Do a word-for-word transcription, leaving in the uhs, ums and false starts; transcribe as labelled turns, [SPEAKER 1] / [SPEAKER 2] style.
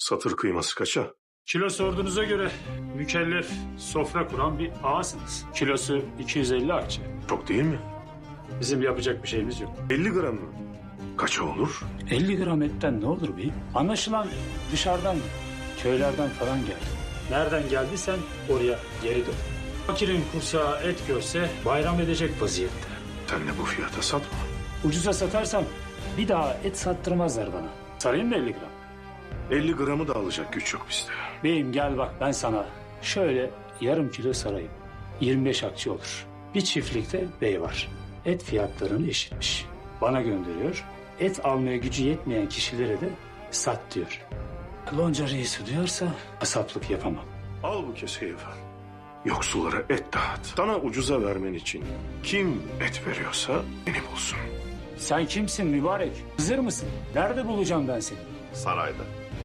[SPEAKER 1] Satır kıyması kaça?
[SPEAKER 2] Kilo sorduğunuza göre mükellef sofra kuran bir ağasınız. Kilosu iki yüz elli akçe.
[SPEAKER 1] Çok değil mi?
[SPEAKER 2] Bizim yapacak bir şeyimiz yok.
[SPEAKER 1] elli gram mı? Kaça olur?
[SPEAKER 2] elli gram etten ne olur beyim? Anlaşılan dışarıdan, köylerden falan geldi. Nereden geldiysen oraya geri dön. Fakirin kursağı et görse bayram edecek vaziyette.
[SPEAKER 1] Sen de bu fiyata satma.
[SPEAKER 2] Ucuza satarsam bir daha et sattırmazlar bana. Sarayım mı elli gram?
[SPEAKER 1] elli gramı da alacak güç yok bizde.
[SPEAKER 2] Beyim gel bak ben sana şöyle yarım kilo sarayım. yirmi beş akçe olur. Bir çiftlikte bey var. Et fiyatlarını eşitmiş. Bana gönderiyor. Et almaya gücü yetmeyen kişilere de sat diyor. Lonca reisi diyorsa kasaplık yapamam.
[SPEAKER 1] Al bu keseyi efendim. Yoksullara et dağıt. Sana ucuza vermen için kim et veriyorsa beni bulsun.
[SPEAKER 2] Sen kimsin mübarek? Hızır mısın? Nerede bulacağım ben seni?
[SPEAKER 3] Sarayda.